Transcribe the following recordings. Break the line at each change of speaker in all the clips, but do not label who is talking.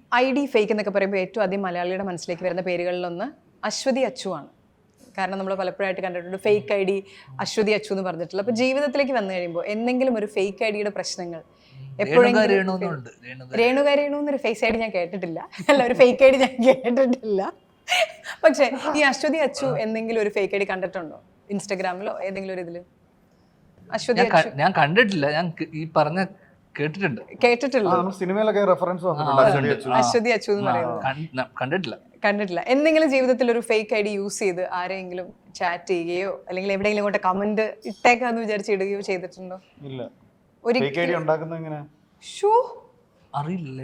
ID fake എന്നൊക്കെ പറയുമ്പോൾ ഏറ്റവും ആദ്യം മലയാളിയുടെ മനസ്സിലേക്ക് വരുന്ന പേരുകളിലൊന്ന് അശ്വതി അച്ചു ആണ്. കാരണം നമ്മൾ പലപ്പോഴായിട്ട് കണ്ടിട്ടുണ്ട് ഫേക്ക് ID അശ്വതി അച്ചു എന്ന് പറഞ്ഞിട്ടുള്ള. അപ്പോൾ ജീവിതത്തിലേക്ക് വന്നു കഴിയുമ്പോൾ എന്തെങ്കിലും ഒരു ഫേക്ക് IDയുടെ പ്രശ്നങ്ങൾ എപ്പോഴെങ്കിലും രേണുക എന്നൊരു ഫേക്ക് ID ഞാൻ കേട്ടിട്ടില്ല, അല്ല ഒരു ഫേക്ക് ID ഞാൻ കേട്ടിട്ടില്ല. പക്ഷേ ഈ അശ്വതി അച്ചു എന്തെങ്കിലും ഒരു ഫേക്ക് ID കണ്ടിട്ടുണ്ടോ ഇൻസ്റ്റഗ്രാമിലോ ഏതെങ്കിലും ഒരു ഇതില്? അശ്വതി അച്ചു
ഞാൻ കണ്ടിട്ടില്ല, ഞാൻ ഈ പറഞ്ഞ
കേട്ടിട്ടില്ല.
സിനിമയിലൊക്കെ റെഫറൻസ് വന്നിട്ടുണ്ട്
അശ്വതി അച്ചു എന്ന് പറയുന്നത്. കണ്ടിട്ടില്ല. എന്തെങ്കിലും ജീവിതത്തിൽ ഒരു ഫേക്ക് ID യൂസ് ചെയ്ത് ആരെങ്കിലും ചാറ്റ് ചെയ്യുകയോ അല്ലെങ്കിൽ എവിടെയെങ്കിലും കൊണ്ട് കമന്റ് ഇട്ടേക്കാന്ന് വിചാരിച്ച് ഇടുകയോ ചെയ്തിട്ടുണ്ടോ?
ഇല്ല.
ഒരു
ഫേക്ക് ID ഉണ്ടാക്കുന്നത് എങ്ങനെ
അറിയില്ലേ?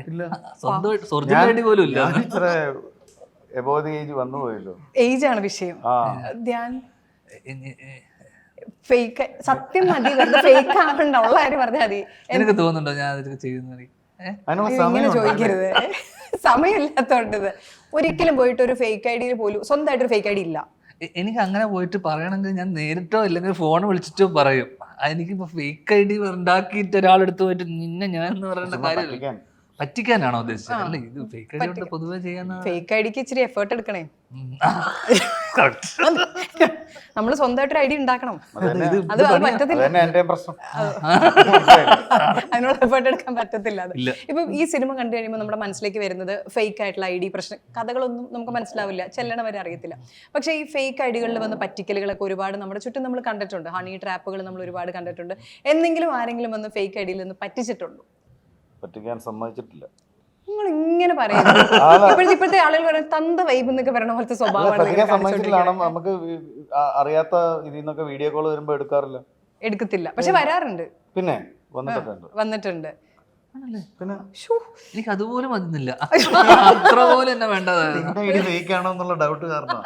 ഇത്ര എബോവ് ഏജ് വന്നു പോയല്ലോ.
ഏജ് ആണ് വിഷയം. ധ്യാൻ ഫേക്ക് സത്യം മതി, വെറുതെ ഫേക്ക് ആവണ്ട, ഉള്ള കാര്യം പറഞ്ഞാൽ മതി.
എനിക്ക് തോന്നുന്നുണ്ടോ ഞാൻ അതൊക്കെ ചെയ്യുന്നത്?
ഇങ്ങനെ ചോദിക്കരുത്, സമയമില്ലാത്തോണ്ട്. ഒരിക്കലും പോയിട്ട് ഒരു ഫേക്ക് ID പോലും സ്വന്തമായിട്ടൊരു ഫേക്ക് ID ഇല്ല.
എനിക്ക് അങ്ങനെ പോയിട്ട് പറയണമെങ്കിൽ ഞാൻ നേരിട്ടോ അല്ലെങ്കിൽ ഫോൺ വിളിച്ചിട്ടോ പറയും. എനിക്കിപ്പോ ഫേക്ക് ID ഉണ്ടാക്കിയിട്ട് ഒരാളെടുത്ത് പോയിട്ട് നിന്നെ ഞാൻ എന്ന് പറയുന്ന കാര്യം പറ്റിക്കാനാണോ ഉദ്ദേശിച്ചത്? അല്ല, ഇത് ഫേക്ക് ID കൊണ്ട് പൊതുവെ ചെയ്യാൻ
ഫേക്ക് IDക്ക് ഇച്ചിരി എഫേർട്ട് എടുക്കണേ. നമ്മൾ സ്വന്തമായിട്ടൊരു ID ഉണ്ടാക്കണം. അത് പറ്റത്തില്ല, അതിനോട് എഫേർട്ട് എടുക്കാൻ പറ്റത്തില്ല. ഇപ്പൊ ഈ സിനിമ കണ്ടു കഴിയുമ്പോൾ നമ്മുടെ മനസ്സിലേക്ക് വരുന്നത് ഫേക്ക് ആയിട്ടുള്ള ID പ്രശ്നം, കഥകളൊന്നും നമുക്ക് മനസ്സിലാവില്ല, ചെല്ലണ വരെ അറിയത്തില്ല. പക്ഷേ ഈ ഫേക്ക് IDകളിൽ വന്ന പറ്റിക്കലുകളൊക്കെ ഒരുപാട് നമ്മുടെ ചുറ്റും നമ്മൾ കണ്ടിട്ടുണ്ട്. ഹണി ട്രാപ്പുകൾ നമ്മൾ ഒരുപാട് കണ്ടിട്ടുണ്ട്. എന്തെങ്കിലും ആരെങ്കിലും വന്ന് ഫേക്ക് IDയിൽ നിന്ന് പറ്റിച്ചിട്ടുണ്ടോ?
പറ്റിക്കാൻ സമ്മതിച്ചിട്ടില്ല.
നിങ്ങൾ ഇങ്ങനെ പറയുന്നത് ഇപ്പോഴത്തെ ആളുകൾ പറയുന്നത് തന്ത വൈബ് എന്നൊക്കെ പറയുന്ന പോലത്തെ സ്വഭാവമാണ്.
നമുക്ക് അറിയാത്ത ഇതിൽ നിന്നൊക്കെ വീഡിയോ കോൾ വരുമ്പോ
എടുക്കത്തില്ല, പക്ഷെ വരാറുണ്ട്.
പിന്നെ
വന്നിട്ടുണ്ട്.
പിന്നെ
എനിക്ക് അതുപോലും വന്നില്ല, അത്ര പോലെ തന്നെ വേണ്ടതാണോന്നുള്ള
ഡൗട്ട് കാരണം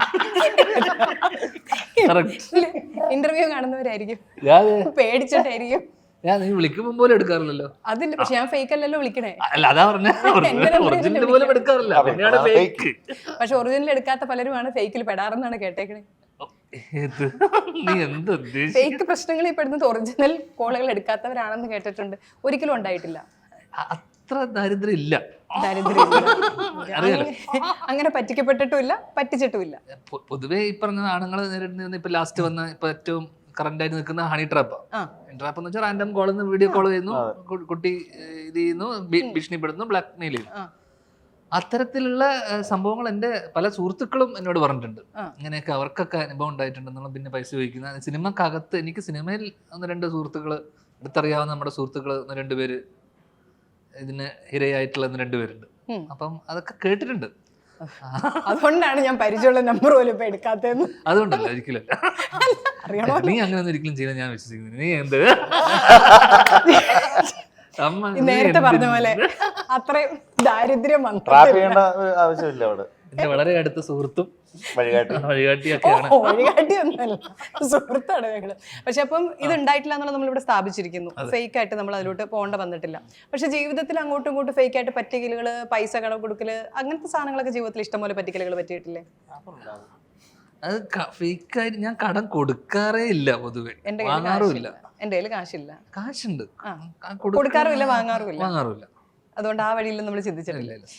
ഇന്റർവ്യൂ കാണുന്നവരായിരിക്കും, പേടിച്ചിട്ടായിരിക്കും.
ഞാൻ നീ വിളിക്കുമ്പോ പോലും എടുക്കാറില്ലല്ലോ.
അതില്ല, പക്ഷെ ഞാൻ ഫേക്ക് അല്ലല്ലോ വിളിക്കണേ.
അല്ല, അതാ പറഞ്ഞ പോലും എടുക്കാറില്ല.
പക്ഷെ ഒറിജിനൽ എടുക്കാത്ത പലരുമാണ് ഫേക്കിൽ പെടാറെന്നാണ് കേട്ടേക്കണേ.
നീ എന്ത്
ഫേക്ക് പ്രശ്നങ്ങളിൽ പെടുന്നത് ഒറിജിനൽ കോളുകൾ എടുക്കാത്തവരാണെന്ന് കേട്ടിട്ടുണ്ട്. ഒരിക്കലും ഉണ്ടായിട്ടില്ല.
അത്ര ദാരിദ്ര്യം ഇല്ല.
അങ്ങനെ പറ്റിക്കപ്പെട്ടിട്ടുമില്ല, പറ്റിച്ചിട്ടുമില്ല.
പൊതുവെ ഈ പറഞ്ഞ ആണുങ്ങൾ നേരിടുന്ന ഇപ്പൊ ലാസ്റ്റ് വന്ന ഇപ്പൊ ഏറ്റവും കറന്റ് ആയിട്ട് നിൽക്കുന്ന ഹണി ട്രാപ്പ്. ട്രാപ്പ് എന്ന് വെച്ചാൽ റാൻഡം കോളിൽ നിന്ന് വീഡിയോ കോൾ ചെയ്യുന്നു, കുട്ടി ഇത് ചെയ്യുന്നു, ഭീഷണിപ്പെടുന്നു, ബ്ലാക്ക് മെയിൽ ചെയ്യുന്നു. അത്തരത്തിലുള്ള സംഭവങ്ങൾ എൻ്റെ പല സുഹൃത്തുക്കളും എന്നോട് പറഞ്ഞിട്ടുണ്ട്. ഇങ്ങനെയൊക്കെ അവർക്കൊക്കെ അനുഭവം ഉണ്ടായിട്ടുണ്ടെന്നുള്ള. പിന്നെ പൈസ ചോദിക്കുന്ന സിനിമക്കകത്ത് എനിക്ക് സിനിമയിൽ 1-2 സുഹൃത്തുക്കൾ, അടുത്തറിയാവുന്ന നമ്മുടെ സുഹൃത്തുക്കൾ 1-2 പേര് ഇതിന് ഇരയായിട്ടുള്ള 1-2 പേരുണ്ട്. അപ്പം അതൊക്കെ കേട്ടിട്ടുണ്ട്.
അതുകൊണ്ടാണ് ഞാൻ പരിചയമുള്ള നമ്പർ പോലും ഇപ്പൊ എടുക്കാത്തതെന്ന്.
അതുകൊണ്ടല്ല, ഒരിക്കലും നീ അങ്ങനെ ഒരിക്കലും ചെയ്യാൻ ഞാൻ വിശ്വസിക്കുന്നു. നീ എന്ത്
നേരത്തെ പറഞ്ഞ പോലെ അത്രയും ദാരിദ്ര്യം
ആവശ്യമില്ല. അവിടെ
എന്റെ വളരെ അടുത്ത സുഹൃത്തും
വഴികാട്ടിയൊക്കെയാണ്. വഴികാട്ടിയൊന്നുമല്ല, സുഹൃത്താണ് ഞങ്ങള്. പക്ഷെ അപ്പം ഇത് ഉണ്ടായിട്ടില്ല എന്നുള്ളത് നമ്മളിവിടെ സ്ഥാപിച്ചിരിക്കുന്നു. ഫേക്ക് ആയിട്ട് നമ്മൾ അതിലോട്ട് പോകേണ്ട വന്നിട്ടില്ല. പക്ഷെ ജീവിതത്തിൽ അങ്ങോട്ടും ഇങ്ങോട്ടും ഫേക്ക് ആയിട്ട് പറ്റിക്കലുകള്, പൈസ കടം കൊടുക്കല്, അങ്ങനത്തെ സാധനങ്ങളൊക്കെ ജീവിതത്തിൽ ഇഷ്ടംപോലെ പറ്റിക്കലുകൾ പറ്റിയിട്ടില്ലേ?
അത് ഫേക്കായിട്ട് ഞാൻ കടം കൊടുക്കാറേ ഇല്ല, പൊതുവെ വാങ്ങാറുമില്ല.
എന്റെ കയ്യിൽ കാശില്ല.
കാശുണ്ട്,
കൊടുക്കാറുമില്ല, വാങ്ങാറുമില്ല.
വാങ്ങാറുമില്ല.
അതുകൊണ്ട് ആ വഴിയിൽ നമ്മൾ ചിന്തിച്ചിട്ടില്ല.